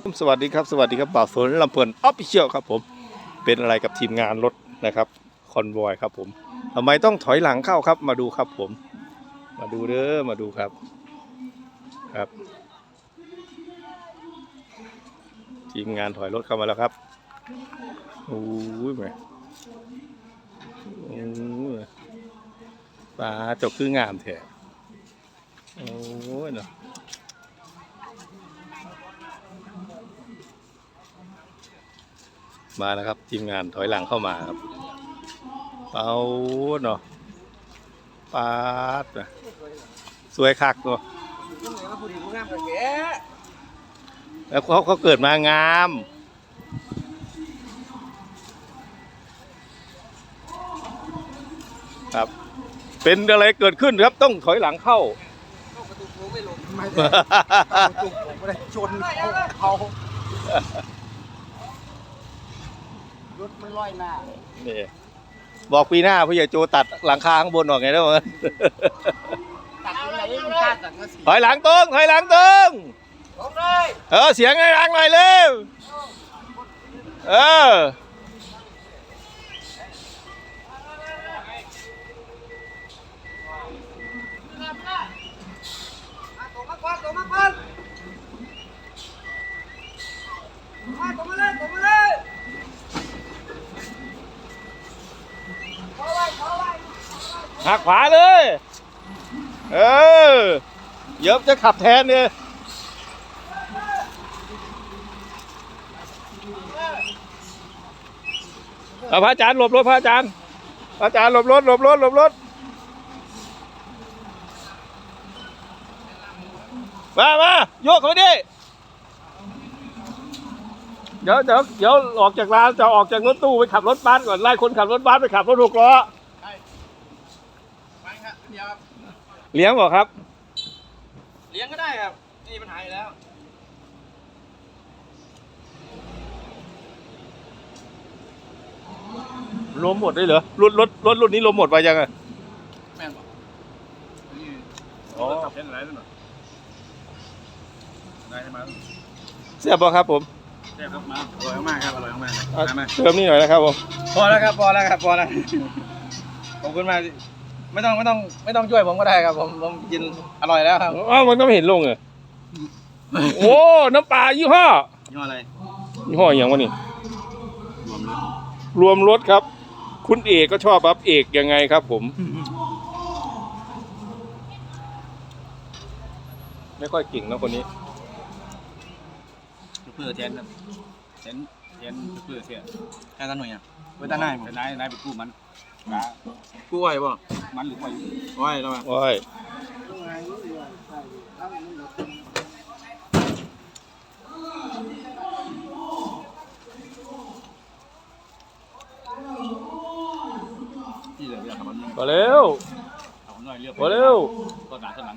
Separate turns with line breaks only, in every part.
สวัสดีครับสวัสดีครับบ่าวสนลำเพลินออฟฟิเชียลครับผมเป็นอะไรกับทีมงานรถนะครับคอนวอยครับผมทำไมต้องถอยหลังเข้าครับมาดูครับผมมาดูเด้อมาดูครับครับทีมงานถอยรถเข้ามาแล้วครับโอ้ยแม่โอ้ยปลาจกคืองามแท้โอ้ยเนาะมาแล้วครับทีมงานถอยหลังเข้ามาครับเอาเนาะปาดนะสวยคักเนาะแล้วเขาเกิดมางามครับเป็นอะไรเกิดขึ้นครับต้องถอยหลังเข้า
ประตูโค้งไม่ลงไม่ได้ประตูโค้งไม่ได้ชนเขารถไม่ลอยหน้า
นี่บอกปีหน้าผู้ใหญ่โจตัดหลังคาข้างบนออกไงได้บ้าง
ตัดอะไรไม่กล้าตัดก็สิ
ถอยหลังตรงถอยหลังตรงเสียงไงรังหน่อยเร็ว
ตกมาก่อนตกมาก่อนตกมาเลยตกมาเลย
หักขวาเลยเดี๋ยวจะขับแทนเนี่ยพระอาจารย์หลบรถพระอาจารย์หลบรถมาโยกเขาดิเดี๋ยวออกจากร้านจะออกจากรถตู้ไปขับรถบัสก่อนไล่คนขับรถบัสไปขับรถ6 ล้อเลี้ยงบอกครับ
เลี้ยงก็ได้ครับนี่ปัญหาอยู่แล้ว
ลมหมดได้เหรอรถนี้ลมหมดไปยังไง
แม่นบอก
อ๋อ
ขับเล่นอะไรนั่นหรอได้ใช่ไหม
เสียบบอกครับผม
เสียบครับมาอร่อยมากครับอร่อยมาก
เติมนี่หน่อยนะครับผม
พอแล้วครับพอแล้วขอบคุณมากไม่ต้องช่วยผมก็ได้ครับผมกินอร่อยแล้วครับ
มันก็ไม่เห็นลงเลยโอ้น้ำปลายี่ห้อ
อะไร
ยี่ห้ออย่างวะนี่รวมรสครับคุณเอกก็ชอบครับเอกยังไงครับผมไม่ค่อยเก่งนะคนนี้
เพื่อแทนครับแทนเพื่อเสียแค่ตั้งหน่อยอ่ะเพื่อตั้งนายผมนายไปกู้มันกู้ไว้ป่ะมันหรือไว้แล้วมั้ย
ไว้พอเร็วพอเร็ว
ก็หนาข้างหลัง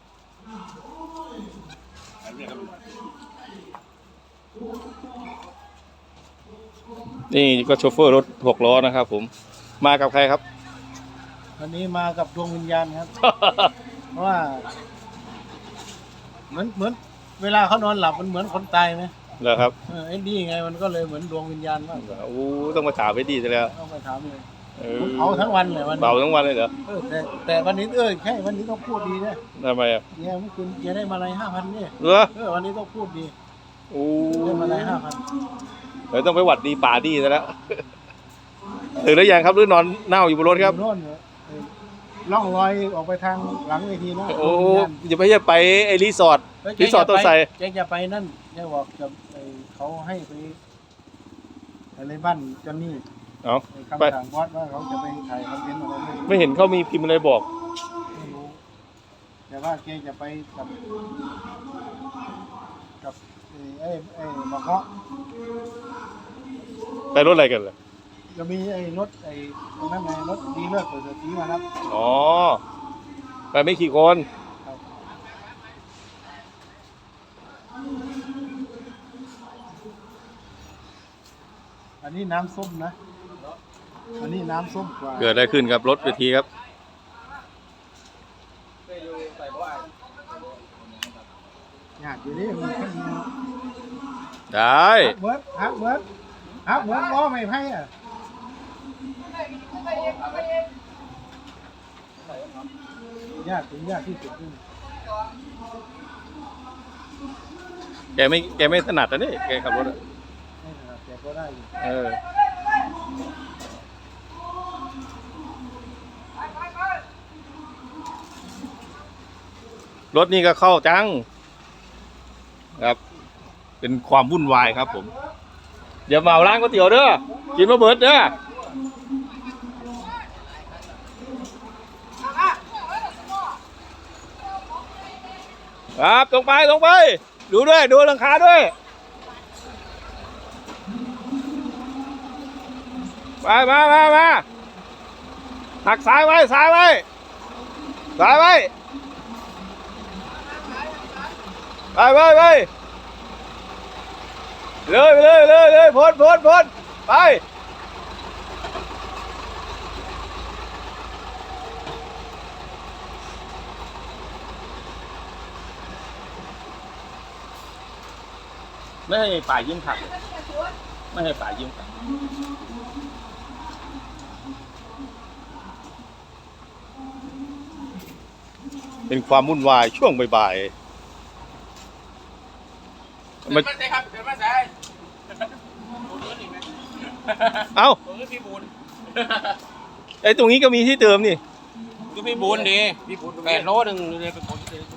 นี่ก็โชเฟอร์รถ6 ล้อนะครับผมมากับใครครับ
วันนี้มากับดวงวิญญาณครับ เพราะว่าเหมือนเวลาเขานอนหลับมันเหมือนคนตายไหม
เหรอครับ
ไอ้นี่ไงมันก็เลยเหมือนดวงวิญญาณมาก
โอ้ต้องมาถามไปดีซะแล้ว
ต้องไปถามเลยเอาทั้งวันเลยวัน
เบาทั้งวันเลยเหรอ
แต่วันนี้ใช่วันนี้ต้องพูดดีนะ
ทำไมอ่ะ
เนี่ยเมื่อคืนแกได้มาอะไร5,000เนี่ยวันนี้ต้องพูดดีได้มาอะไร5,000
เดี๋ยวต้องไปหวัดดีป่าดีซะแล้วถึงแล้วยังครับหรือนอนเน่าอยู่บนรถครับ
โน่นล่องลอยออกไปทางหลังเวทีนะ
โอ้จะไปไอรีสอร์ทตัวใส่
แกจะไปนั่นแกบอกจะเขาให้ไปอะไรบ้านจอนนี่คำสั่งบอสว่าเขาจะไปถ่ายคอนเทนต์อะไร
ไม่เห็นเขามีพิมพ์อะไรบอก
ไม่รู้แต่ว่าแกจะไปกับไอ้มะเงาะ
ไปรถอะไรกันล่ะ
จะมีไอ้รถนั่นไงรถดีเลิศเปิดสีมาครับ
อ๋อไปไม่กี่คน
อันนี้น้ำส้มนะอันนี้น้ำส้มกว่า
เกิดอะไรขึ้นกับรถเวทีครับ
อยากอยู่นี่มันแค่นี้
ได้
ฮักเหมือนล้อไม่ไพ่อ่ะยากถึงยากที่สุดนี่
แกไม่ถนัดนะนี่แกขับรถอะ
ไม่ถนัดแต่ก็ได้อยู่
เออรถนี่ก็เข้าจังครับ เป็นความวุ่นวายครับผมเดี๋ยวมาเอาร้านก๋วยเตี๋ยวเด้อกินมาเบิดเด้อครับตรงไปดูด้วยดูหลังคาด้วยมาหักซ้ายไว้ไปเลยพ้นไปไม่ให้ฝ่ายยิ้มขับไม่ให้ฝ่ายยิ้มขับเป็นความวุ่นวายช่วงบ่ายๆมัน
ใช่ครับเกิดมาใส่
เอ้า
พี่บุญ
ไอ้ตรงนี้ก็มีที่เติมนี่
ก็พี่บุญดีพี่บุญ8 โลนึงเลยเป็นคนที่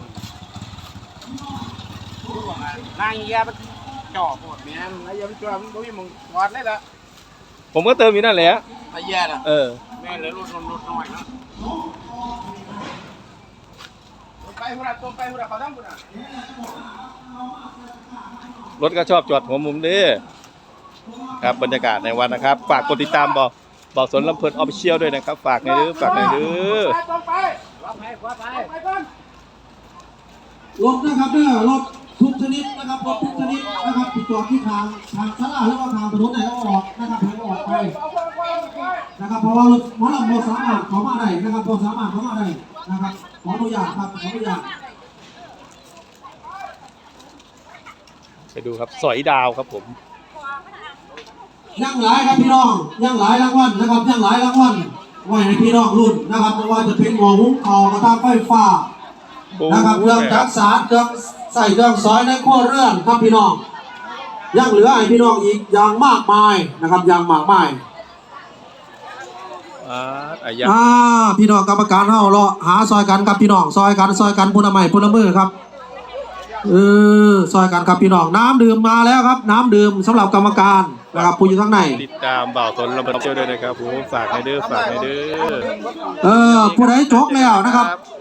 นางเยียมันจ่อปวดแม่นนางเยียมันจ่อมันบ่มีมึงกอดเลยล่ะ
ผมก็เติมอยู่นั่นแหละ
นางเยียน่ะ
เออ
แม่เลยรถน้อยเนาะไปพุ่นน่ะตัวไปพุ่นน่ะเขาทั้งพุ่นน่ะ
รถก็ชอบจอดหัวมุมดิครับบรรยากาศในวันนะครับ ฝากกดติดตามบอกสนลำเพลินออฟฟิเชียลด้วยนะครับ ฝากในอยเด้อ
รับไปก่อน
รถนะครับเนี่ยรถทุกชนิดนะครับรถทุกชนิดนะครับที่จอดที่ทางศาลาหรือว่าทางถนนไหนก็ออกนะครับให้ออกไปนะครับเพราะว่ารถหมอลำโมสามารถเข้ามาได้นะครับโมสามารถเข้ามาได้นะครับขออนุญาตครับขออนุญาต
ไปดูครับสอยดาวครับผม
ยังหลายครับพี่น้องยังหลายรางวัลนะครับยังหลายรางวัลไว้ให้พี่น้องรุ่นนะครับไม่ว่าจะเป็นหม้อหุงข้าวกระทะไฟฟ้านะครับเครื่องจักสานเครื่องใส่เครื่องซอยในครัวเรือนครับพี่น้องยังเหลือให้พี่น้องอีกอย่างมากมายนะครับอย่างมากมาย
อายะ
พี่น้องกรรมการเฮารอหาซอยกันครับพี่น้องซอยกันพุนละไม้พุนละมือครับซอยกันครับพี่น้องน้ำดื่มมาแล้วครับน้ำดื่มสำหรับกรรมการนะครับผู้อยู่ข้างใน
ติดตามบ่าวสนลำเพลินออฟฟิเชียลด้วยนะครับผมฝากในอยเด้อ
ผู้ใดจกแล้วนะครับ
ครับ